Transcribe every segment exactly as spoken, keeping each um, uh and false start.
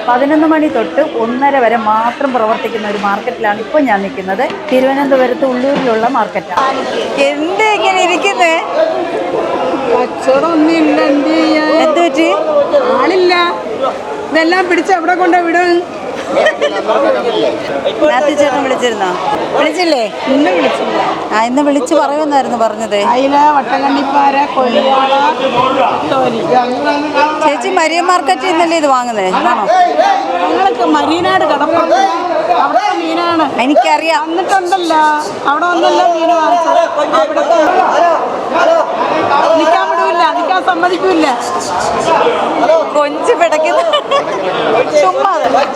പതിനൊന്ന് മണി തൊട്ട് ഒന്നര വരെ മാത്രം പ്രവർത്തിക്കുന്ന ഒരു മാർക്കറ്റിലാണ് ഇപ്പോൾ ഞാൻ നിൽക്കുന്നത്. തിരുവനന്തപുരത്ത് ഉള്ളൂരിലുള്ള മാർക്കറ്റാണ്. എന്ത് ഇങ്ങനെ ഇരിക്കുന്നേ? എന്ത് പറ്റി? ആളില്ല. ഇതെല്ലാം പിടിച്ച് അവിടെ കൊണ്ട് വിടും. മാത്യു ചേട്ടൻ വിളിച്ചിരുന്നോ? വിളിച്ചില്ലേ? ഇന്ന് വിളിച്ചില്ല. ആ ഇന്ന് വിളിച്ച് പറയുമെന്നായിരുന്നു പറഞ്ഞത്. അയില, വട്ടക്കണ്ണിപ്പാര, കൊഴിയാള. ചേച്ചി മരിയ മാർക്കറ്റിൽ നിന്നല്ലേ ഇത് വാങ്ങുന്നത്? ആണോ? ഞങ്ങൾക്ക് മരീനാട് കടപ്പുറത്ത് അവിടെ മീനാണ്. എനിക്കറിയാം. വന്നിട്ടുണ്ടല്ലോ, അവിടെ വന്നല്ലോ മീൻ വാങ്ങിച്ചത്. അവിടുത്തെ നിൽക്കാൻ വിടൂല്ല, നിൽക്കാൻ സമ്മതിക്കൂല്ല. കൊഞ്ച് പിടയ്ക്കുന്ന ചുമ്മാ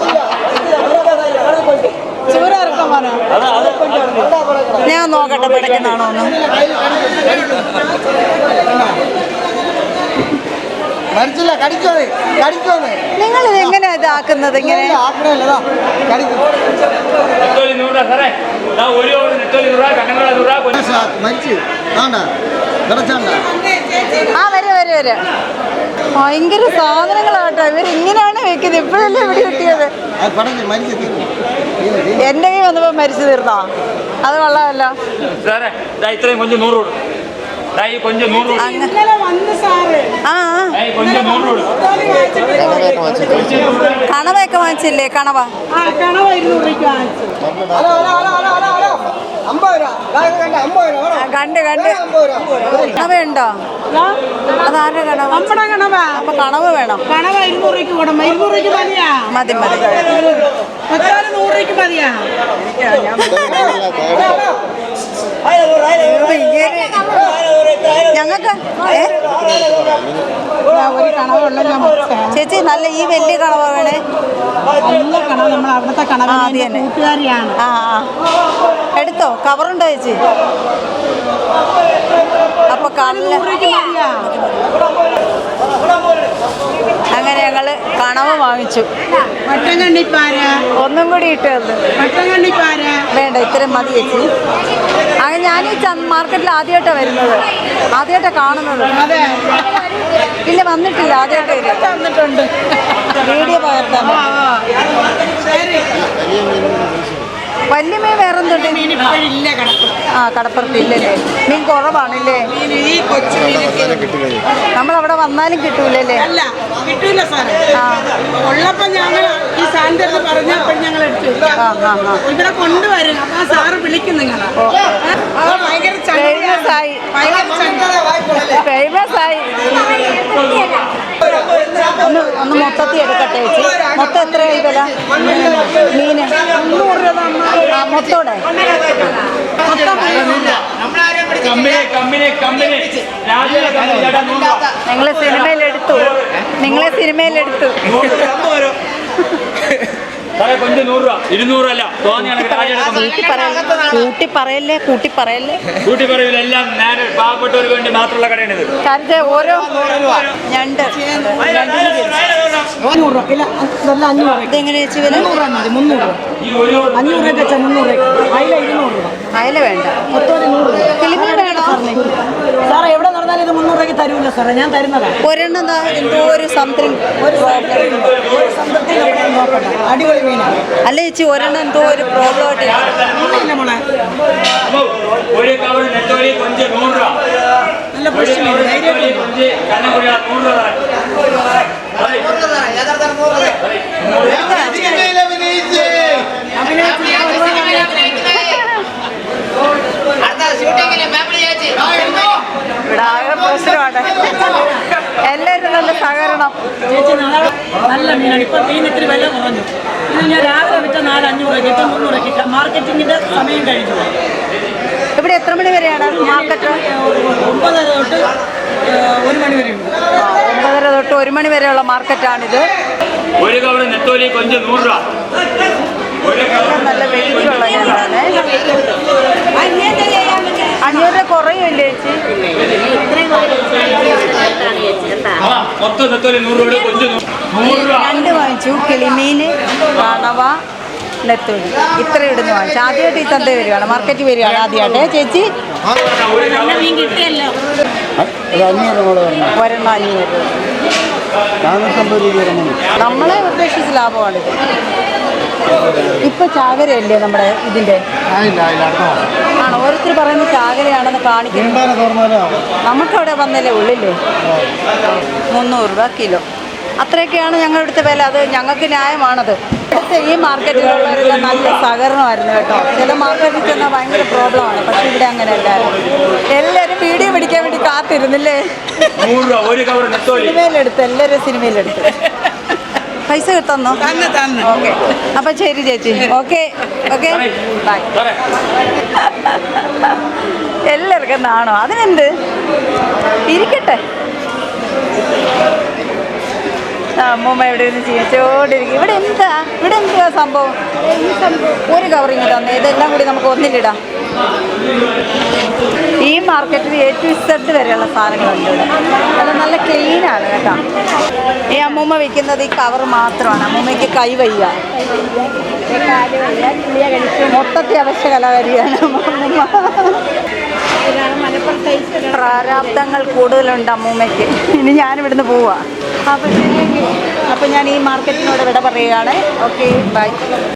ചൂരറക്കാൻ പോരാ. ഞാൻ നോക്കട്ടെ പിടയ്ക്കുന്നാണോ ഒന്ന്. നിങ്ങൾ ഇത് എങ്ങനെയാ ഇതാക്കുന്നത്? ഇങ്ങനെ ആ വരെ വരെ വരെ ഭയങ്കര സാധനങ്ങളാട്ടോ. ഇവർ ഇങ്ങനെയാണ് വെക്കുന്നത്. ഇപ്പോഴല്ലേ ഇവിടെ കിട്ടിയത്. എന്റെ കൈ വന്നപ്പോ മരിച്ചു തീർന്നോ? അത് കൊള്ളാമല്ലോ. ഇത്രയും കൊഞ്ച് നൂറ് കൊടുക്കും. കണവയൊക്കെ വാങ്ങിച്ചില്ലേ? കണവ കണ്ട് കണ്ട് കണവയുണ്ടോ? അതാരുടെ കണവ? നമ്മുടെ കണവ. അപ്പൊ കണവ വേണം. കണവ ഇരുന്നൂറ് രൂപയ്ക്ക് കൊടുക്കും. ഇരുന്നൂറ് രൂപയ്ക്ക് മതിയാ? മതി മതി. നൂറ് രൂപയ്ക്ക് മതിയാ? ഞങ്ങൾക്ക് ഒരു കണവുള്ള ചേച്ചി. നല്ല ഈ വലിയ കണവ വേണേ. നല്ല കണവ. നമ്മൾ അവിടുത്തെ കണവ കൂട്ടുകാരിയാണ്. ആ ആ എടുത്തോ. കവറുണ്ടോ ചേച്ചി? അപ്പൊ അങ്ങനെ ഞങ്ങള് കണവ് വാങ്ങിച്ചു. ഒന്നും കൂടി ഇട്ടത് വേണ്ട, ഇത്രയും മതി ചേച്ചി. അങ്ങനെ ഞാൻ ഈ മാർക്കറ്റിൽ ആദ്യമായിട്ടാണ് വരുന്നത്, ആദ്യമായിട്ടാണ് കാണുന്നത്. ഇല്ല വന്നിട്ടില്ല, ആദ്യമായിട്ട് വന്നിട്ടുണ്ട്. വീഡിയോ പകർത്താൻ. വലിയ മീൻ വേറെ എന്തുണ്ട്? ആ കടപ്പുറത്ത് ഇല്ലല്ലേ? മീൻ കുറവാണല്ലേ? നമ്മളവിടെ വന്നാലും കിട്ടൂലല്ലേ? അല്ല കിട്ടൂല സാറേ. ആ ഉള്ളപ്പോൾ ഞങ്ങൾ ഈ സാധനത്തിൽ പറഞ്ഞപ്പോൾ ഞങ്ങൾ എടുത്തു. ഇവിടെ കൊണ്ടുവരും. അപ്പൊ സാറ് വിളിക്കും നിങ്ങൾ. ഫേമസ് ആയി ഫേമസ് ആയി ഒന്ന് ഒന്ന് മൊത്തത്തിൽ എടുക്കട്ടെ ചേച്ചി. മൊത്തം എത്രയായി വില മീന്? മുന്നൂറ് രൂപ. ആ മൊത്തോടെ നിങ്ങളെ സിനിമയിലെടുത്തു നിങ്ങളെ സിനിമയിലെടുത്തു കൊഞ്ച് നൂറ് രൂപ. ഇരുന്നൂറല്ല. കൂട്ടി പറയല്ലേ കൂട്ടി പറയല്ലേ കൂട്ടി പറയൂല. എല്ലാം ഞാൻ പാവപ്പെട്ടവർക്ക് വേണ്ടി മാത്രമുള്ള കടയാണിത്. കാരണം ഓരോ ഞണ്ട് ഇതെങ്ങനെ ചേച്ചി വില? മുന്നൂറ് അഞ്ഞൂറ് രൂപ മുന്നൂറ് അയില ഇരുന്നൂറ് രൂപ. അയില വേണ്ട. കിളിമീൻ വേണോ സാറേ? എവിടെ നടന്നാലും ഇത് മുന്നൂറ് രൂപയ്ക്ക് തരൂല സാറേ. ഞാൻ തരുന്നതാ. ഒരെണ്ണം എന്തോ ഒരു സംതിങ് അടിപൊളി മീനാണ്. അല്ല ചേച്ചി ഒരെണ്ണം എന്തോ ഒരു പ്രോബ്ലം ആയിട്ട് മോളെ. നല്ല ഫ്രഷ് മീൻ. ഇവിടെ ആകെ പ്രശ്നമാണ്. എല്ലാവരും നല്ല സഹകരണം. നല്ല മീനാണ്. ഇപ്പൊ മീൻ ഇത്തിരി വില കുറഞ്ഞു. ഇത് ഞാൻ രാവിലെ വിറ്റ നാല് അഞ്ഞൂറ് രൂപ ഇപ്പം മുന്നൂറ് രൂപ. മാർക്കറ്റിങ്ങിന്റെ സമയം കഴിഞ്ഞു. ഇവിടെ എത്ര മണി വരെയാണ് മാർക്കറ്റ്? ഒമ്പതര തൊട്ട് ഒരു മണി വരെ ഉണ്ട്. ഒമ്പതര തൊട്ട് ഒരു മണി വരെയുള്ള മാർക്കറ്റാണിത്. ഒരു കവറ് നെത്തോലി കൊഞ്ച് നൂറ് രൂപ. നല്ല വെയിറ്റുള്ള ഞാനാണ്. അഞ്ഞൂറ് രൂപ കുറയുമല്ലേ ചേച്ചി? രണ്ട് വാങ്ങിച്ചു. കിളിമീൻ, കണവ, നെത്തോലി ഇത്ര ഇടുന്ന് വാങ്ങിച്ചു. ആദ്യമായിട്ട് ഈ ചന്ത വരികയാണ്, മാർക്കറ്റ് വരികയാണ് ആദ്യമായിട്ട്. ചേച്ചി ഒരെണ്ണം അഞ്ഞൂറ് രൂപ. നാനൂറ്റമ്പത് രൂപ ഇറങ്ങുന്നു. നമ്മളെ ഉദ്ദേശിച്ച് ലാഭമാണിത്. ഇപ്പൊ ചാകരയല്ലേ നമ്മുടെ ഇതിന്റെ ആയില്ല ആയില്ല അടുത്ത മാസം ആണ്. ഓരോരുത്തർ പറയുന്നത് ചാകരയാണെന്ന് കാണിക്കുന്നു. നീണ്ടാനെ തുറന്നാലും നമുക്കവിടെ വന്നല്ലേ ഉള്ളില്ലേ. മുന്നൂറ് രൂപ കിലോ, അത്രയൊക്കെയാണ് ഞങ്ങളുടെ അടുത്ത വില. അത് ഞങ്ങൾക്ക് ന്യായമാണത്. അടുത്ത ഈ മാർക്കറ്റിലുള്ളവരെല്ലാം നല്ല സഹകരണമായിരുന്നു കേട്ടോ. ചില മാർക്കറ്റിൽ ചെന്നാൽ ഭയങ്കര പ്രോബ്ലമാണ്, പക്ഷെ ഇവിടെ അങ്ങനെയല്ല. എല്ലാവരും വീഡിയോ പിടിക്കാൻ വേണ്ടി കാത്തിരുന്നില്ലേ. നൂറ് രൂപ ഒരു കവർ നെത്തോലി. സിനിമയിലെടുത്ത് എല്ലാവരും സിനിമയിലെടുത്ത് പൈസ കിട്ടുന്നോ? ഓക്കെ, അപ്പം ശരി ചേച്ചി. Okay okay bye. എല്ലാവർക്കും നാണോ? അതിനെന്ത്, ഇരിക്കട്ടെ. അമ്മൂമ്മ ഇവിടെ ഇരുന്ന് ചിരിച്ചോണ്ടിരിക്കും. ഇവിടെ എന്താ ഇവിടെ എന്താ സംഭവം? ഒരു കവറിങ് തന്നെ, ഇതെല്ലാം കൂടി നമുക്ക് ഒന്നിലിടാം. ഈ മാർക്കറ്റിൽ എ ടു ഇസഡ് വരെയുള്ള സാധനങ്ങളുണ്ട് ഇവിടെ. അത് നല്ല ക്ലീനാണ് കേട്ടോ. ഈ അമ്മൂമ്മ വിൽക്കുന്നത് ഈ കവർ മാത്രമാണ്. അമ്മൂമ്മയ്ക്ക് കൈ വയ്യ, മൊത്തത്തിൽ അവശ്യ കലാകാരിയാണ് അമ്മൂമ്മ. പ്രാരാബ്ദങ്ങൾ കൂടുതലുണ്ട് അമ്മൂമ്മയ്ക്ക്. ഇനി ഞാനിവിടുന്ന് പോവാ. അപ്പം അപ്പം ഞാൻ ഈ മാർക്കറ്റിനോട് വിട പറയുകയാണ്. Okay by.